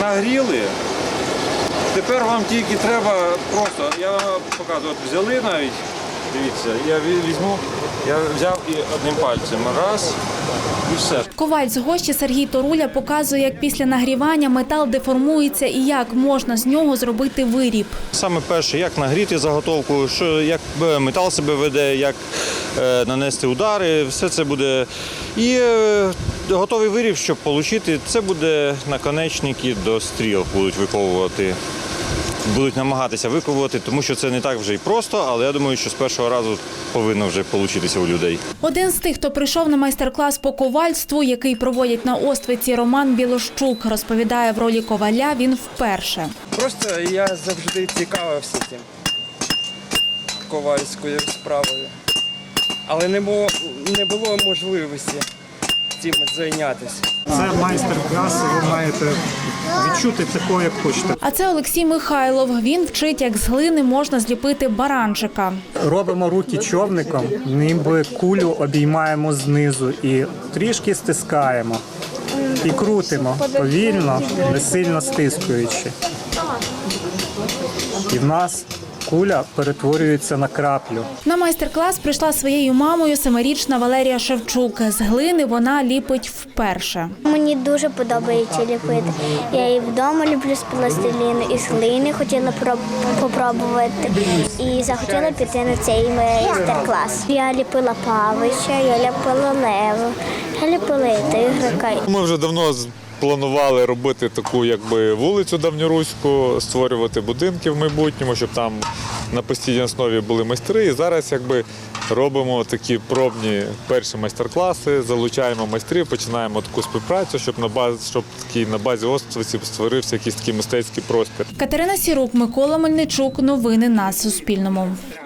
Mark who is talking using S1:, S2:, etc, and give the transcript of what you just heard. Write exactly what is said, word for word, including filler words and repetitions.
S1: нагріли. Тепер вам тільки треба просто, я вам показую, от взяли навіть, дивіться, я візьму, я взяв і одним пальцем, раз, і все.
S2: Коваль з Гощі Сергій Торуля показує, як після нагрівання метал деформується і як можна з нього зробити виріб.
S1: Саме перше, як нагріти заготовку, що, як метал себе веде, як е, нанести удари, все це буде. І е, готовий виріб, щоб отримати, це буде наконечники до стріл будуть виковувати. Будуть намагатися виковувати, тому що це не так вже й просто, але я думаю, що з першого разу повинно вже вийти у людей.
S2: Один з тих, хто прийшов на майстер-клас по ковальству, який проводять на Оствиці, Роман Білощук, розповідає, в ролі коваля він вперше.
S3: Просто я завжди цікавився цим ковальською справою, але не було, не було можливості цим зайнятися.
S4: Це майстер-клас, ви маєте відчути такого, як хочете.
S2: А це Олексій Михайлов. Він вчить, як з глини можна зліпити баранчика.
S4: Робимо руки човником, ніби кулю обіймаємо знизу і трішки стискаємо. І крутимо повільно, не сильно стискуючи. І в нас куля перетворюється на краплю.
S2: На майстер-клас прийшла своєю мамою семирічна Валерія Шевчук. З глини вона ліпить вперше.
S5: Мені дуже подобається ліпити. Я і вдома люблю з пластиліну, і з глини хотіла спробувати. І захотіла піти на цей майстер-клас. Я ліпила Павича, я ліпила Леву, я ліпила тигрика.
S6: Ми вже давно планували робити таку якби вулицю давньоруську, створювати будинки в майбутньому, щоб там на постійній основі були майстри. І зараз якби робимо такі пробні перші майстер-класи, залучаємо майстрів, починаємо таку співпрацю, щоб на базі, щоб такий на базі Оствиці створився якийсь такий мистецький простір.
S2: Катерина Сірук, Микола Мельничук. Новини на Суспільному.